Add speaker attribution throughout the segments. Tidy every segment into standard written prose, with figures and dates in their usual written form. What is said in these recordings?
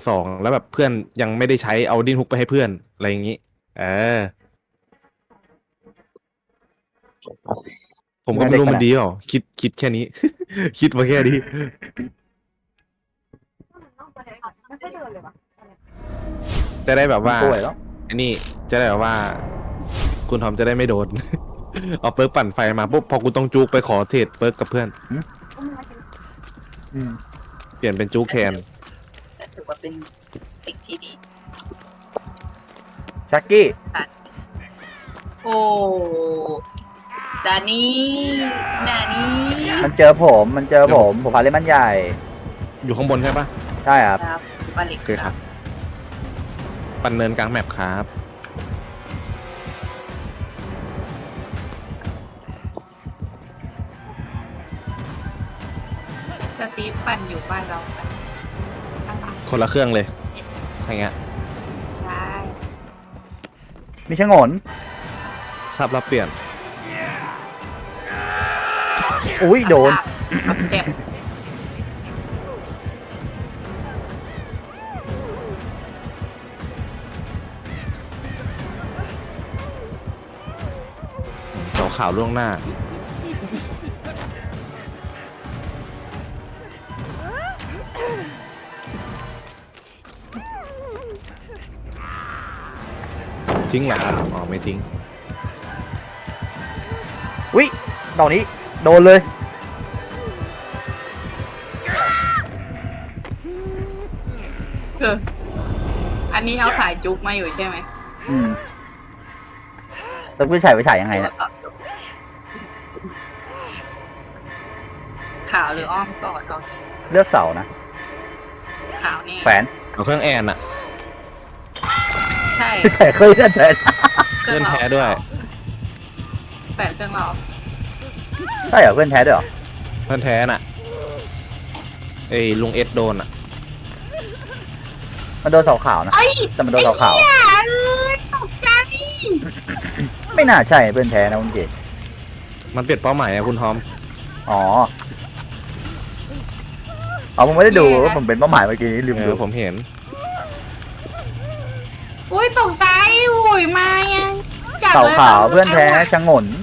Speaker 1: 2แล้วแบบเพื่อนยังไม่ได้ใช้เอาดิ้นฮุกไปให้เพื่อนอะไรอย่างนี้เออผมก็ไม่รู้มันดีเปล่าคิดแค่นี้ คิดมาแค่นี้จะได้แบบว่า
Speaker 2: ป่วยแล้ว
Speaker 1: อันนี้จะได้แบบว่า คุณทอมจะได้ไม่โดน เอาเปิร์กปั่นไฟมาปุ๊บพอกูต้องจุกไปขอเทรดเปิร์กกับเพื่อน
Speaker 2: อืม
Speaker 1: เปลี่ยนเป็นจุกแทน
Speaker 3: แต่ถือว่าเป็นสิ่งที่ดี
Speaker 2: ชักกี้
Speaker 3: โอ้ดานี่นานี่
Speaker 2: มันเจอผมพาเล่นมันใหญ่
Speaker 1: อยู่ข้างบนใช่ปะ
Speaker 2: ใช่ครับ
Speaker 3: ครับบาลิก
Speaker 1: โอเคครับ ปั่นเนินกลางแมปครับ
Speaker 3: สตีฟปั่นอยู่บ้านเราไปข้างหลัง
Speaker 1: คนละเครื่องเลยอย่างเงี้ย
Speaker 3: ใช่
Speaker 2: มีชะงน
Speaker 1: ซับรับเปลี่ยน
Speaker 2: อุ้ยโดน
Speaker 3: เจ็บ
Speaker 1: เสาขาวล่วงหน้า ทิ้งเหรอครับอ๋อไม่ทิ้ง
Speaker 2: อุ้ยดอกนี้โดนเลย
Speaker 3: คืออันนี้เอาสายจุกมาอยู่ใช่ไหม
Speaker 2: อืมแล้วผู้ชายไปฉายยังไงเนี่ย
Speaker 3: ขาวหรืออ้อมกอดตอนนี้
Speaker 2: เลือกเสานะ
Speaker 3: ขาวนี่
Speaker 2: แขวน
Speaker 1: เอาเครื่องแอนอะ
Speaker 3: ใช่
Speaker 2: แต่เคยเล่นแต่
Speaker 1: เพื่อนแท้ด้วย
Speaker 3: แปดเครื่องเรา
Speaker 2: ใช่เหรอเพื่อนแท้ด้วยเหรอ
Speaker 1: เพื่อนแท้น่ะไอ้ลุงเอสโดนอะ
Speaker 2: มันโดนเสาขาวนะแต่มันโดนเสาขาว
Speaker 3: ตกใจ
Speaker 2: ไม่น่าใช่เพื่อนแท้นะคุณเจ
Speaker 1: มันเปลี่ยนเป้าหมายอะคุณทอม
Speaker 2: อ๋อผมไม่ได้ดูว่าผมเป็นเป้าหมายเมื่อกี้นี้ลืมดู
Speaker 1: ผมเห็น
Speaker 3: อุ้ยตกใจอุ้ยมายัง
Speaker 2: เสาขาวเพื่อนแท้ชะงน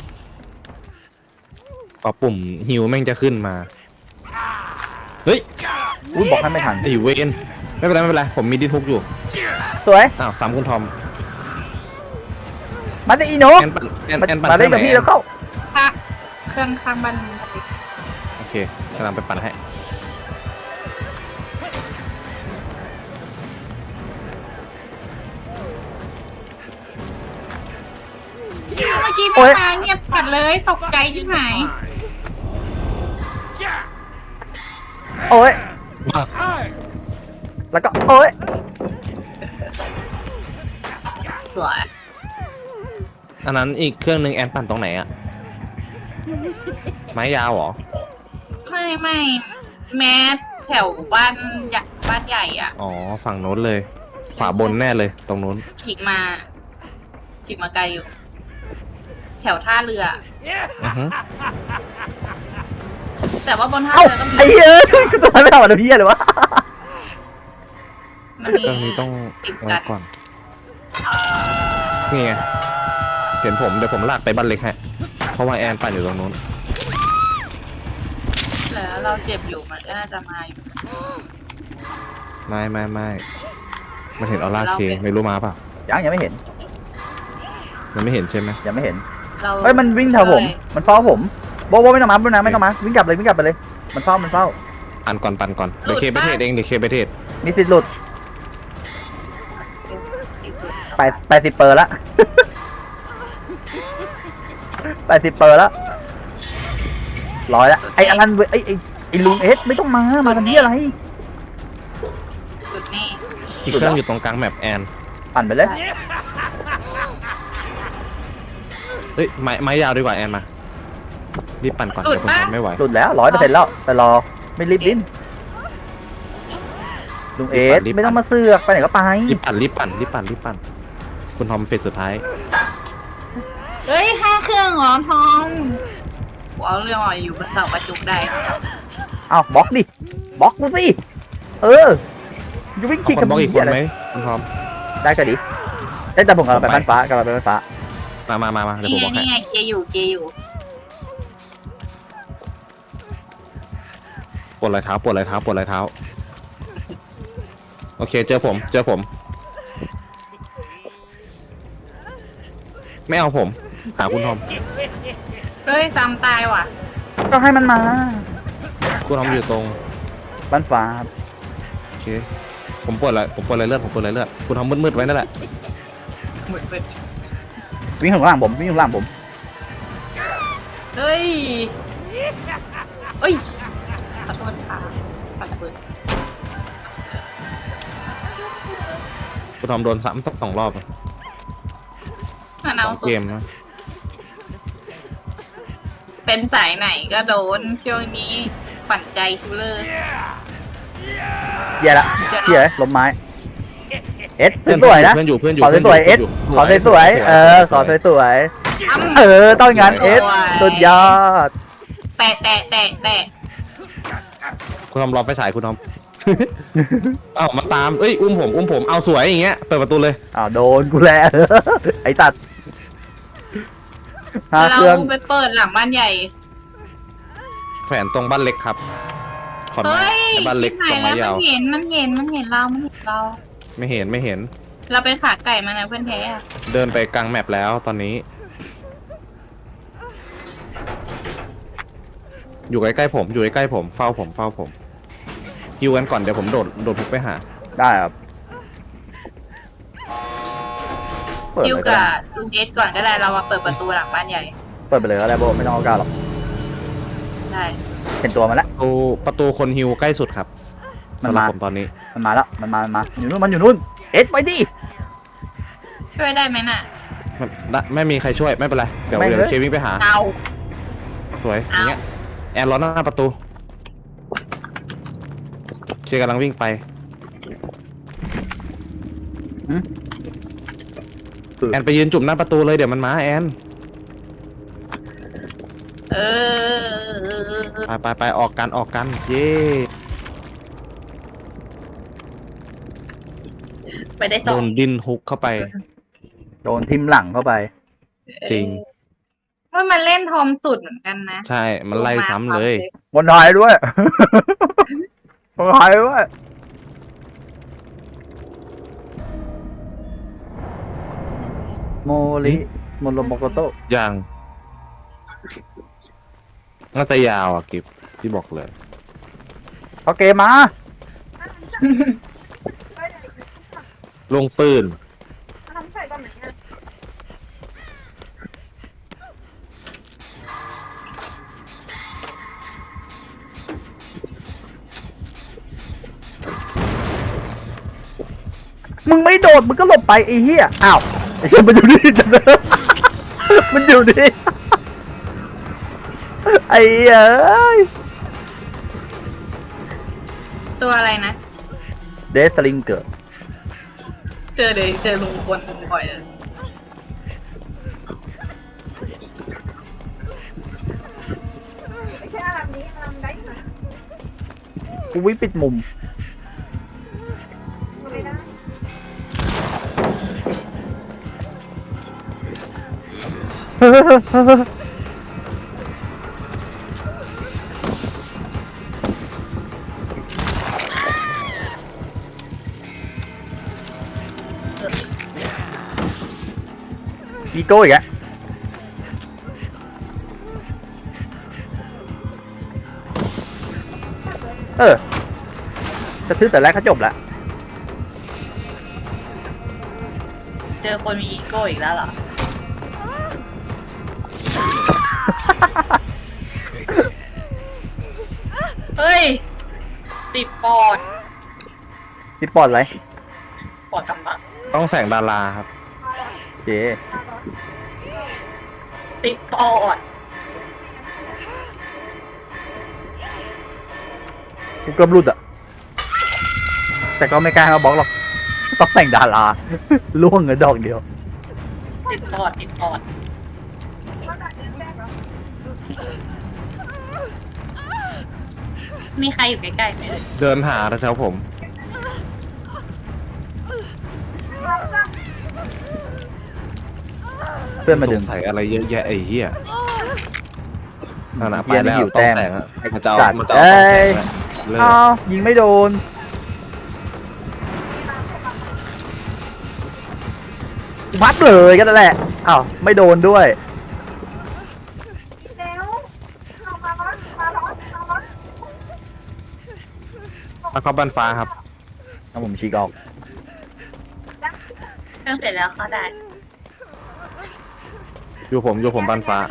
Speaker 1: พอปุ่มฮิวแม่งจะขึ้นมา เฮ้ย
Speaker 2: อุ้ยบอกให้ไม่ทัน
Speaker 1: ไอ้เวนไม่เป็นไรไม่เป็นไร ผมมีดิ้นฮุกอยู่
Speaker 2: สวย
Speaker 1: อ้าวสามคุณทอม
Speaker 2: มาดิอีโน
Speaker 1: แอนปั่นแอนปั่น
Speaker 2: มาเล่นกับ
Speaker 1: ครื่องไห
Speaker 2: พี่แล้วเข้า
Speaker 3: ค่ะเครื่องข้างบ้าน
Speaker 1: โอเคกำลังไปปั่นให้
Speaker 3: เมื่อกี้
Speaker 2: โอ๊
Speaker 3: แม่
Speaker 2: ย
Speaker 3: ค้าเงียบปัดเลยตกใจที่ไหน
Speaker 2: โอ้ยแล้วก็โอ้ย
Speaker 3: สวย
Speaker 1: อันนั้นอีกเครื่องหนึ่งแอนปั่นตรงไหนอะไม้ยาวเหรอ
Speaker 3: ไม่แม้แถวบ้านใหญ่บ้านใหญ่อ่ะ
Speaker 1: อ๋อ ฝั่งโน้นเลย ขวาบนแน่เลย ตรงโน้น
Speaker 3: ฉีกมาไกลอยู่ แถวท่าเรือ
Speaker 1: อือฮึ
Speaker 3: แต่ว่าบนท่า
Speaker 2: เอ้า
Speaker 3: เรือก็มี
Speaker 2: ไอ้เหี้ยกูตัวไม่ทำอะไรพี่เลยวะ
Speaker 3: มันมี
Speaker 1: เครื่องนี้ต้อง
Speaker 3: ติด
Speaker 1: ไว้
Speaker 3: กัน
Speaker 1: ก่อน นี่ไง เห็นผมเดี๋ยวผมลากไปบ้านเล็กฮะ เพราะว่าแอนปั่นอยู่ตรงนู้น
Speaker 3: แล้วเราเจ็บอยู่มันก็น่าจะมาอยู่
Speaker 1: ไม่มันเห็นออร่าเคไม่รู้มาเปล่า
Speaker 2: ยังไม่เห็น
Speaker 1: มันไม่เห็นใช่ไหม
Speaker 2: ยังไม่เห็น
Speaker 3: เรา
Speaker 2: เฮ้ยมันวิ่งแถวผม มันเฝ้าผมโบไม่ต้องมาไม่ต้องมาวิ่งกลับไปเลย มันเฝ้า
Speaker 1: ปั่นก่อน เดี๋ยวเคไปเทศเองเดี๋ยวเคไปเทศ
Speaker 2: มีสิทธิ์หลุด80 เปอร์ละ 80 เปอร์ละ100ละไอ้อลันไอ้ลุงเอสไม่ต้องมาทำที่อะไร
Speaker 3: จุดนี้
Speaker 1: อีกเครื่องอยู่ตรงกลางแมปแอน
Speaker 2: ปั่นไปเลย
Speaker 1: เฮ้ยไม้ยาวดีกว่าแอนมา รีบปั่นก่อนเดี๋ยวคุณทำไม่ไหว
Speaker 2: หลุดแล้ว100%แล้วแต่รอไม่รีบดิ้นลุงเอสไม่ต้องมาเสือกไปไหนก็ไป
Speaker 1: รีบปั่น คุณทอมเฟสสุดท้าย
Speaker 3: เฮ้ย5 เครื่องเหรอทองกูเอาเรื่องอ่ะอยู่บนเสาประจุได้
Speaker 2: เอาบล็อกดิบล็อกกูสิเออจะวิ่ง
Speaker 1: เอา
Speaker 2: ขี่
Speaker 1: คนบล็อกอีกคนไหม
Speaker 2: เ
Speaker 1: คุณทอม
Speaker 2: ได้ก็ดีเอ้ยแต่ผมกำลังไปบ้านฟ้ากำลังไปบ้านฟ้า
Speaker 1: มาเดี๋ยว
Speaker 3: นี่
Speaker 1: ผม
Speaker 3: ไง
Speaker 1: บอกให้
Speaker 3: นี่ไงเกยอยู่เกยอยู่
Speaker 1: ปวดรอยเท้าโอเคเจอผมไม่เอาผมหาคุณทอม
Speaker 3: เฮ้ยซ้ำตายว่ะ
Speaker 2: ก็ให้มันมา
Speaker 1: คุณทอมอยู่ตรง
Speaker 2: บ้านฟ้าครับ
Speaker 1: โอเคผมปวดอะไรเลือดคุณทอมมืดๆไว้นั่นแหละ
Speaker 3: หมุนไป
Speaker 2: วิ่งข้างล่างผม
Speaker 3: เฮ้ยเอ้ยขอโทษค่ะขอโทษ
Speaker 1: คุณทอมโดนซ้ำสัก2 รอบ
Speaker 3: มันเอา
Speaker 1: 2
Speaker 3: สุด
Speaker 1: เกมนะ
Speaker 3: เป็นสายไหนก็โดนช่วงนี้ปั่นใจคิวเลอร์
Speaker 2: เหี้ยละเหี้ยล้มไม้เอสสวยๆนะ
Speaker 1: เพื่อนอยู่
Speaker 2: ขอสวยๆเอสขอสวยๆขอสวยๆต้องงานเอสสุดยอด
Speaker 3: แตะ
Speaker 1: คุณทอมรอไฟฉายคุณทอม เอ้ามาตามเอ้ยอุ้มผมเอาสวยอย่างเงี้ยเปิดประตูเลย
Speaker 2: อ้าวโดนกูแล้ว ไอ้ตัดหา
Speaker 3: เรา
Speaker 2: เครื่อง
Speaker 3: ไปเปิดหลังบ้านใหญ่
Speaker 1: แขวนตรงบ้านเล็กครับขอนไม้
Speaker 3: เฮ้ย
Speaker 1: บ้านเล็ก
Speaker 3: ที่ไหน
Speaker 1: ตรงไม้
Speaker 3: แล้ว
Speaker 1: ยาว
Speaker 3: มันเห็นเรา
Speaker 1: ไม่เห็น
Speaker 3: เราเป็นขาไก่มานะเพื่อนแท้อะ
Speaker 1: เดินไปกลางแมปแล้วตอนนี้ อยู่ใกล้ๆผมเฝ้าผมฮิวกันก่อนเดี๋ยวผมโดดพุกไปหา
Speaker 2: ได้ครับเปิด
Speaker 3: คิว
Speaker 2: เลยก็
Speaker 3: กับ
Speaker 2: ได้
Speaker 3: ลุงเอสก่อนก็ได้เรามาเปิดประตูหลังบ้านใหญ่
Speaker 2: เปิดไปเลยก็ได้โบไม่ต้องเอาก้าวหรอก
Speaker 3: ได้
Speaker 2: เห็นตัวมันแล้ว
Speaker 1: ประตูคนฮิวใกล้สุดครับ
Speaker 2: มัน
Speaker 1: สำหรับ
Speaker 2: มา
Speaker 1: ผมตอนนี้
Speaker 2: มันมาแล้วมันมาอยู่นู่นเอสไปดิ
Speaker 3: ช่วยได้ไหมน่ะ
Speaker 1: ไม่มีใครช่วยไม่เป็นไรเดี๋ยว
Speaker 2: ไม่เลย
Speaker 1: เควิ่งไปหา
Speaker 3: เอา
Speaker 1: สวยอย่างเงี้ยแอนรอหน้าประตูเคกำลังวิ่งไป แอนไปยืนจุ่มหน้าประตูเลยเดี๋ยวมันมาแอน
Speaker 3: เออ
Speaker 1: ไปออกกันเย้
Speaker 3: ไปได้ส
Speaker 1: โด
Speaker 3: อง
Speaker 1: นดินฮุกเข้าไป
Speaker 2: โดนทิมหลังเข้าไป
Speaker 1: จริง
Speaker 3: ว่ามันเล่นทอมสุดเหมือนกันนะ
Speaker 1: ใช่มันไล่ซ้ำเลย
Speaker 2: บนหายด้วย บนหายด้วยโมริโมโรโมโกโตะ
Speaker 1: ยังน่าจะยาวอ่ะกิฟที่บอกเลย
Speaker 2: เอาเกมมา
Speaker 1: ลงปืน
Speaker 2: มึงไม่โดดมึงก็หลบไปไอ้เหี้ยอ้าวไอ้เหี้ยมันอยู่นี่จังเลย มันอยู่นี่ ไอ้เอ้ย
Speaker 3: ตัวอะไรนะ
Speaker 2: เดสลิงเกิด
Speaker 3: เจอลุงคนบ่อยเลย
Speaker 2: กูวิ่งปิดมุม อีโก้อีกแล้วจะซื้อแต่แรกก็จบแล้ว
Speaker 3: เจอคนมีอีโก้อีกแล้วเหรอ เฮ้ย ติดปอด
Speaker 2: ติดปอดอะไร
Speaker 3: ปอดกำลัง
Speaker 1: ต้องแสงดาราครับ
Speaker 2: โอเค
Speaker 3: ติดปอด
Speaker 2: กูเกือบหลุดอ่ะ แต่ก็ไม่กล้ามาบล็อกหรอก ต้องแต่งดารา ล่วงเงินดอกเดียว
Speaker 3: ติดปอด มีใครอยู่ใกล้ๆไหมเอ่ย
Speaker 1: เดินหาแถวๆผม
Speaker 2: เพื่อนมาดึง
Speaker 1: สงสัยอะไรเยอะแยะไอ้เหี้ยนั่นน่ะไป
Speaker 2: เหี้ย
Speaker 1: แล้ว
Speaker 2: หิว
Speaker 1: ต้อง
Speaker 2: แต้ม
Speaker 1: แสงอะ
Speaker 2: ไอ้
Speaker 1: มันจะเอา
Speaker 2: สัตว์
Speaker 1: มันจะเอาต้องแสงอะเลิก
Speaker 2: อ้าวยิงไม่โดนพัดเลยก็นั่นแหละอ้าวไม่โดนด้วย
Speaker 1: มาเข้าบ้านฟ้าครับ
Speaker 2: เอาผมฉีกออก
Speaker 3: เครื่องเสร็จแล้วเขาได้
Speaker 1: อยู่ผมบ้านฟ้า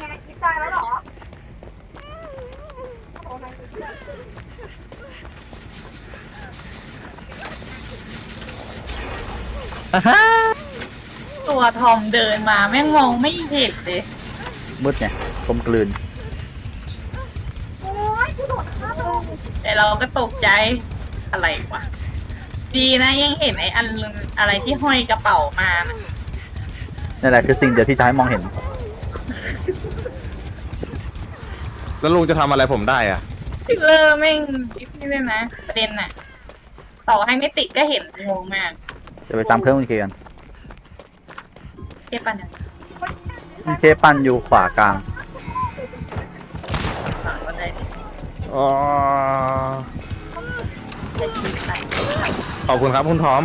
Speaker 3: ตัวทอมเดินมาแม่งมองไม่เห็นเลย
Speaker 2: มืดไงกลมกลืน
Speaker 3: แต่เราก็ตกใจอะไรวะดีนะยังเห็นไอ้อันอะไรที่ห้อยกระเป๋ามานะ
Speaker 2: นั่นแหละคือสิ่งเดียวที่จะให้มองเห็น
Speaker 1: แล้วลุงจะทำอะไรผมได้อ่ะ
Speaker 3: ฟิลเลอร์แม่งนี่เลยนะประเด็นน่ะ ต่อให้ไม่ติดก็เห็นงงมาก
Speaker 2: จะไปซ้ำเครื่องคุณเคกัน
Speaker 3: เทียบปันยัง
Speaker 2: คุณเคปั่นอยู่ขวากลาง
Speaker 3: ฝั่งก็ได้
Speaker 1: อ๋อ
Speaker 3: ได้ชีวิตไป
Speaker 1: ขอบคุณครับคุณทอม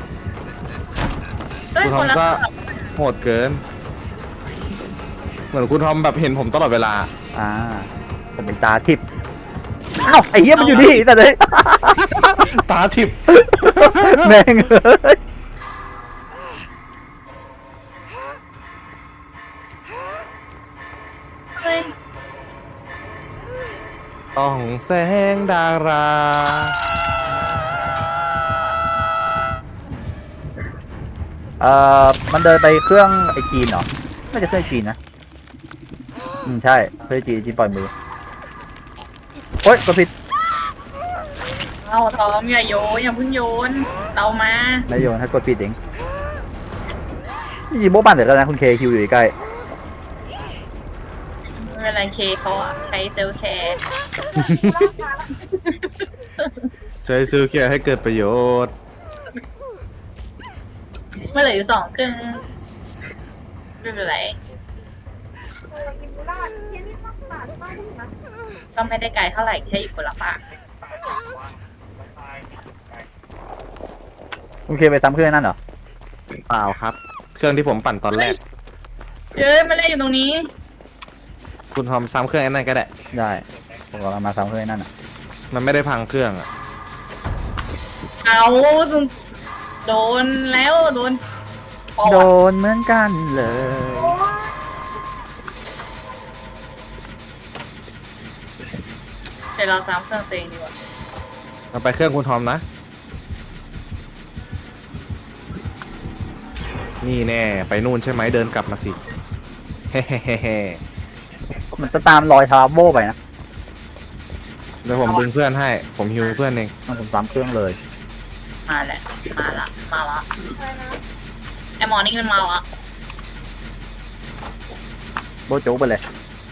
Speaker 3: เอ้ย
Speaker 1: คุณท
Speaker 3: ค
Speaker 1: อม
Speaker 3: นละ
Speaker 1: ก็
Speaker 3: ฝั่ง
Speaker 1: โหดเกิน เหมือนคุณทอมแบบเห็นผมตลอดเวลา
Speaker 2: อ่า ผมเป็นตาทิพย์อ้าวไอ้เหี้ยมันอยู่นี่แต่เลย
Speaker 1: ตาทิพย์
Speaker 2: แม่งเลย
Speaker 3: เฮ้ย
Speaker 1: ต้องแสงดารา
Speaker 2: มันเดินไปเครื่องไอจีนเหรอน่าจะเครื่องไอจีนนะใช่เครื่องไอจีนจีนปล่อยมือโอ๊ยกดผิด
Speaker 3: เอาทอมอย่าโยนอย่าเพิ่งโยนเรามา
Speaker 2: ไม่โยนให้กดผิดเองนี่โบ๊ะบันเดี๋ยวแล้วนะคุณเคคิวอยู่ใกล้
Speaker 3: ไม่เป็นไรเคเขาอะใช้เซลลแคร์
Speaker 1: ใช้ซื้อเกียร์ให้เกิดประโยชน์
Speaker 3: เมื่อเหลืออยู่2 เครื่องไม่เป็นไรก็ไม่ได้ไกลเท่าไหร่แค่อยู่คนละฝั่ง
Speaker 2: คุณเคไปซ้ำเครื่องนั่นเหรอ
Speaker 1: เปล่าครับ เครื่องที่ผมปั่นตอนแรก
Speaker 3: เย้ยมาเล่นอยู่ตรงนี้
Speaker 1: คุณทอมซ้ำเครื่องไอ้นั่นก็ได้
Speaker 2: ได้ผมกำลังมาซ้ำเครื่องนั่นอ่ะ
Speaker 1: มันไม่ได้พังเครื่องอ่ะ
Speaker 3: เอาโดนแล้วโดนปอ
Speaker 2: โด
Speaker 3: ด
Speaker 2: นเหมือนกันเลย
Speaker 3: เดี๋ยวเราซ้ำเครื่องตัวเองดีกว่า
Speaker 1: เราไปเครื่องคุณทอมนะ นี่แน่ ไปนู่นใช่ไหมเดินกลับมาสิ เฮ้เฮ้เฮ้เฮ้
Speaker 2: มันจะตามรอยทาราโบไปนะ
Speaker 1: เดี๋ยวผมดึงเพื่อนให้ ผมฮิวเพื่อนเอง
Speaker 2: มันผมซ้ำเครื่องเลย
Speaker 3: มาแหละมาละไอหมอนี่มันมาละ
Speaker 2: โบโจ๊กไปเลย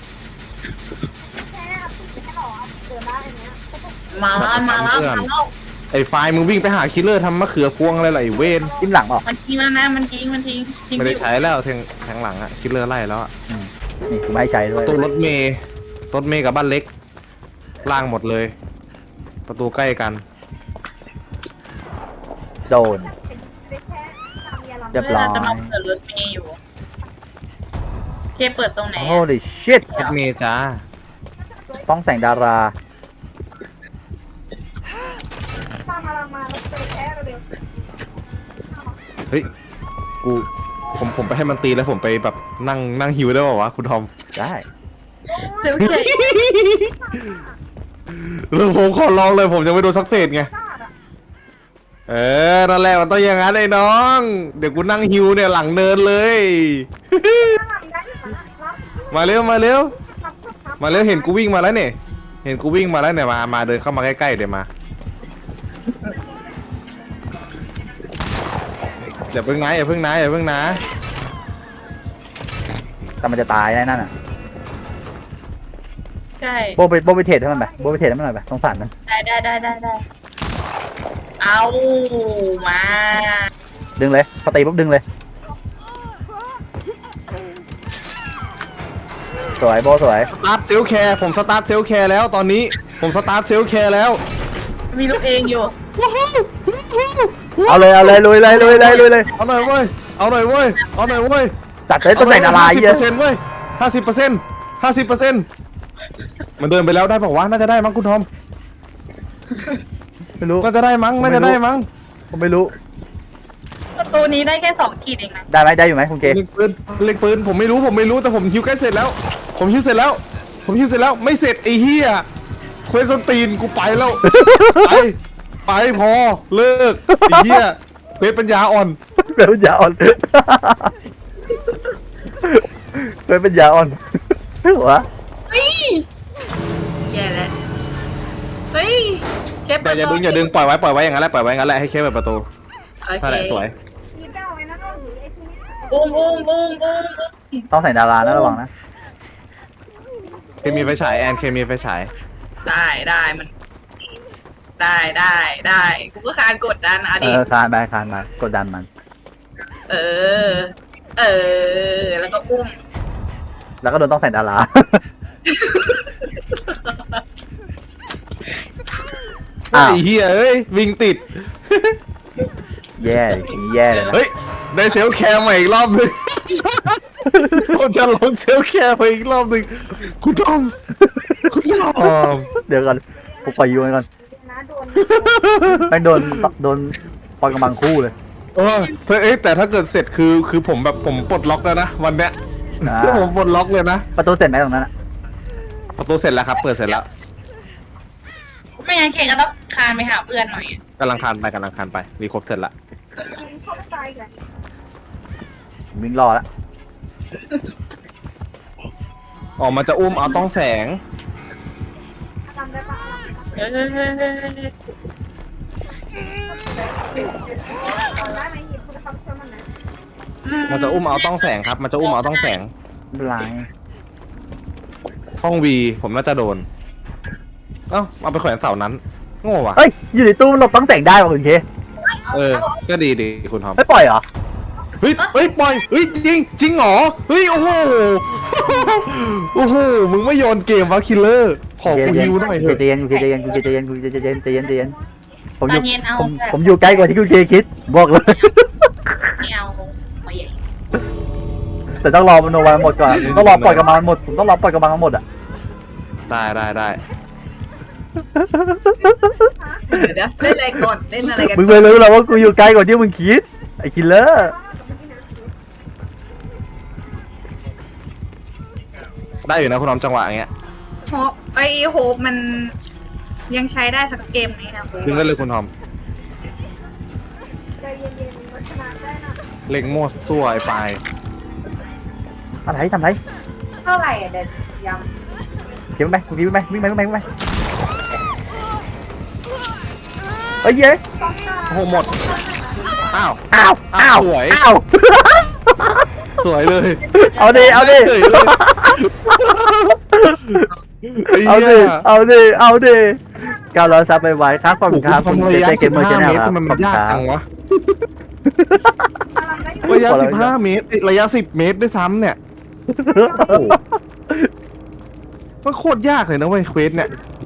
Speaker 3: มาแล้ว
Speaker 1: ไอ้ไฟล์มึงวิ่งไปหาคิลเลอร์ทำมะเขือพวงอะไรล่ะไอ้เวน
Speaker 2: จิ้มหลังเปล่า
Speaker 3: มันทิ้งแล้วนะมันทิ้ง
Speaker 1: ไม่ได้ใช้แล้วแทงหลังอะคิลเลอร์ไล่แล้วอะ
Speaker 2: นี่กูไม่ให้ใช้ด้วย
Speaker 1: ตัวรถเมย์กับบ้านเล็ก ล่างหมดเลย ประตูใกล้กัน
Speaker 2: โดน เรียบร้อย
Speaker 3: จะมาเปิดรถเมย์อยู่เคเปิดตรงไหน
Speaker 2: โอ้ดิชิต
Speaker 1: รถเมย์จ้า
Speaker 2: ต้องแสงดารา
Speaker 1: เฮ้ย ผมไปให้มันตีแล้วผมไปแบบนั่งฮิวได้ป่าวะคุณทอม
Speaker 2: ได้
Speaker 3: เซลเค
Speaker 1: แล้วผมขอลองเลยผมยังไม่โดนสักเฟสไง นั่นแหละมันต้องอย่างนั้นไอ้น้อง เดี๋ยวกูนั่งฮิวเนี่ยหลังเนินเลย มาเร็วมาเร็วเห็นกูวิ่งมาแล้วเนี่ยเห็นกูวิ่งมาแล้วเนี่ยมาเดินเข้ามาใกล้ๆเดี๋ยวมาอย่าเพิ่งนะอย่าเพิ่งนะ
Speaker 2: แต่มันจะตายแน่นั่นอ่ะ
Speaker 3: ใช่
Speaker 2: โบไปเทรดให้มันไปโบไปเทรดให้มันหน่อยไปสงสารมัน
Speaker 3: ได้เอามา
Speaker 2: ดึงเลยพอตีปุ๊บดึงเลยสวยโบสวย
Speaker 1: สตาร์ทเซลแคร์ผมสตาร์ทเซลแคร์แล้วตอนนี้ผมสตาร์ทเซลแคร์แล้ว
Speaker 3: มีลูกเองอยู่
Speaker 2: เอาเลยลุยเลย
Speaker 1: เอาหน่อยเว้ยเอาหน่อยเว้ย
Speaker 2: จัดเลยตำแหน่งอะไร
Speaker 1: 50%เว้ย50%มันเดินไปแล้วได้บอกว่าน่าจะได้มั้งคุณทอม
Speaker 2: ไม่รู้
Speaker 1: น่าจะได้มั้ง
Speaker 2: ผมไม่รู้
Speaker 3: ประตูนี้ได้แค่2 ขีดเองนะ
Speaker 2: ได้อยู่ไหมคุณเก
Speaker 1: เล็งปืนผมไม่รู้แต่ผมฮิวใกล้เสร็จแล้วไม่เสร็จไอ้เหี้ยเควสตีนกูไปแล้ว ไปพอเลิกไอ้เหี้ยเควสปัญญาอ่อน
Speaker 2: เป็นปัญญาอ่อนเป็นปัญญาอ่อนหัว
Speaker 3: เฮ้ยแย่แล้วเฮ้ยเก็บ
Speaker 1: อย่าดึงปล่อยไว้อย่างนั้นแหละให้แค่เปิดประตู
Speaker 3: โอ
Speaker 1: นั่นแหละ
Speaker 3: เค
Speaker 1: สวย
Speaker 3: อุ้ม
Speaker 2: ต้องใส่ดารานะระวังนะ
Speaker 1: เคมีไฟฉายแอนเคมีไฟฉาย
Speaker 3: ได้มันได้กูก็คานกดดันอ่ะดิ
Speaker 2: คานมากดดันมัน
Speaker 3: เออแล้วก็อุ้ม
Speaker 2: แล้วก็โดนต้องใส่ดารา
Speaker 1: ไอ้เหี้ยเอ้ยวิ่งติด
Speaker 2: แย่เลยนะ
Speaker 1: เฮ้ยได้เซลแคร์ใหม่อีกรอบหนึงผมจะลงเซลแคร์ไปอีกรอบหนึงคุณทอม
Speaker 2: เดี๋ยวก่อนผมปล่อยยูไว้ก่อนไม่โดนปล่อยกำลังคู่เลย
Speaker 1: แต่ถ้าเกิดเสร็จคือผมแบบผมปลดล็อกแล้วนะวันเนี้ยผมปลดล็อกเลยนะ
Speaker 2: ประตูเสร็จไหมตรงนั้นอะ
Speaker 1: ประตูเสร็จแล้วครับเปิดเสร็จแล้ว
Speaker 3: ไม่งั้นเคก็ต้องคานไปหาเพื่อนหน่อย
Speaker 1: กำลังคานไปรีครบเสร็จละ
Speaker 2: วิ่งรอแล้ว
Speaker 1: ออกมาจะอุ้มเอาต้องแสง
Speaker 3: เออ
Speaker 1: มันจะอุ้มเอาต้องแสงครับมันจะอุ้มเอาต้องแสง
Speaker 2: ไม่เป็นไร
Speaker 1: ห้องวีผมน่าจะโดนเอาไปแขวนเสานั้นโง่ว่ะ
Speaker 2: เอ้ยอยู่ในตู้หลบต้องแสงได้ป่ะคุณเค
Speaker 1: ก็ดีคุณทอม
Speaker 2: ไม่ปล่อยเหรอ
Speaker 1: เฮ้ยปล่อยเฮ้ยจริงเหรอเฮ้ยโอ้โหมึงไม่โยนเกมวะคิลเลอร์ขอกูฮิวหน่อยเถอะ
Speaker 2: ใจเย็นผมอ
Speaker 3: ต
Speaker 2: ยู่
Speaker 3: อนเย็นเอา
Speaker 2: ผมอยู่ใกล้กว่าที่คุณเคคิดบอกเลย
Speaker 3: ไม่เอาไม่ใหญ่
Speaker 2: แต่ต้องรอมันโนวันหมดก่อนผมต้องรอปล่อยกำลังมันหมดผมต้องรอปล่อยกำลังมันหมดอ่ะ
Speaker 1: ได้
Speaker 3: เดี๋ยวเล่นอะไรก่อนเล่นอะไรกัน
Speaker 2: มึงไม่รู้หรอกว่ากูอยู่ไกลกว่าที่มึงคิดไอ้คิลเลอร์
Speaker 1: ได้อยู่นะคุณทอมจังหวะอย่างเงี้ย
Speaker 3: ไอโฮปมันยังใช้ได้ทั้งเกมนี้นะ
Speaker 1: ดึงได้เลยคุณทอมเล็งโม่ซั่วไอ้ปลาย
Speaker 2: ทำไร
Speaker 3: เท่าไหร่เด็ดย
Speaker 2: เก็บไปคุณคิดไปวิ่งไปเฮ้ยเย้
Speaker 1: โอ้โหหมดอ้าว สวย สวยเลย
Speaker 2: เอาดิ
Speaker 1: เฉยเลยไอ้เหี้ย
Speaker 2: เอาดิก้าวร้อยซับไปไว้ครับขอบคุณครับ
Speaker 1: ทำระยะ
Speaker 2: เกมเมอร์ชแนล
Speaker 1: 15 เมตร
Speaker 2: ครับ
Speaker 1: ทำไม
Speaker 2: ข
Speaker 1: มั
Speaker 2: อบ
Speaker 1: น
Speaker 2: คุณ
Speaker 1: ยาก
Speaker 2: ครั
Speaker 1: จั
Speaker 2: บ
Speaker 1: งวะระยะ 15 เมตรระยะ 10 เมตรด้วยซ้ำเนี่ยโอ้โหมันโคตรยากเลยนะเว้ยเควสเนี่ย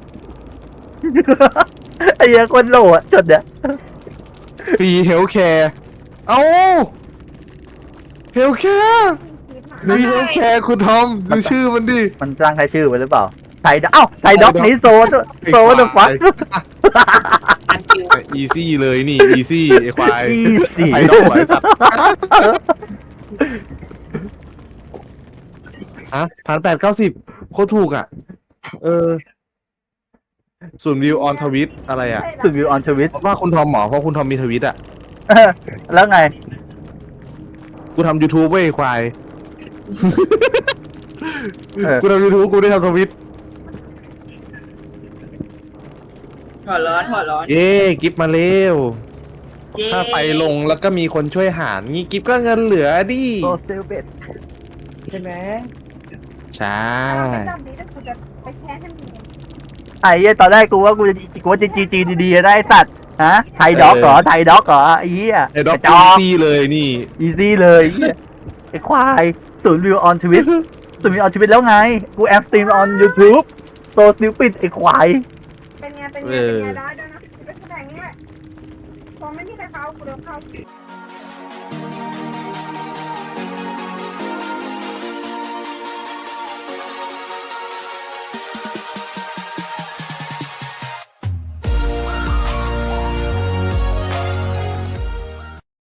Speaker 2: ไอ้เหี้ยคนโหลอ่ะจดเนี่ย
Speaker 1: ฟรีเฮลแคร์เอ้าเฮลแคร์นี่เฮลแคร์คุณทอมดูชื่อมันดิ
Speaker 2: มันตั้งใครชื่อไว้หรือเปล่าไทยด็อกนี้โซเดอะฟัค
Speaker 3: อันคิว
Speaker 1: อีซี่เลยนี่อีซี่ไอ้ควาย
Speaker 2: Easy
Speaker 1: ใส่ดอกไว้สัตว์ฮะ1,890โคตรถูกอ่ะศูนย์วิวออนทวิตอะไรอ่ะ
Speaker 2: สุดวิวออนทวิต
Speaker 1: เพราะว่าคุณทอมหมอเพราะคุณทอมมีทวิตอ่ะ
Speaker 2: แล้วไง
Speaker 1: กูทำ YouTube เว้ยควาย
Speaker 2: เออ
Speaker 1: กูทำ YouTube กูได้ทำทวิต
Speaker 3: หัวร้อน
Speaker 1: เย้กิฟมาเร็ว
Speaker 3: เย้
Speaker 1: ถ้าไปลงแล้วก็มีคนช่วยหารงี้กิฟก็เงินเหลือดิ
Speaker 2: โซสเตลเบด
Speaker 1: ใช่ไหมใช่
Speaker 2: ไอ้เหี้ยตอนแรกกูว่ากูจะจีดีๆได้สัตว์ฮะไทยด็อกเหรอไอ้เหี้ย
Speaker 1: ไอ้ด็อก
Speaker 2: จ
Speaker 1: อี
Speaker 2: อ
Speaker 1: ซี่เลยนี่
Speaker 2: อีซี่เลยไอ้ควายศูนย์วิวออนทวิตสุดมีเอาชีวิตแล้วไง กูแอปสตรีม on YouTube โซสติวปิดไอ้ควาย
Speaker 4: เป็นไงได้ด้วยนะเป็นแสดงนี่แหละพอไม่มีใครเข้ากูเดินเข้า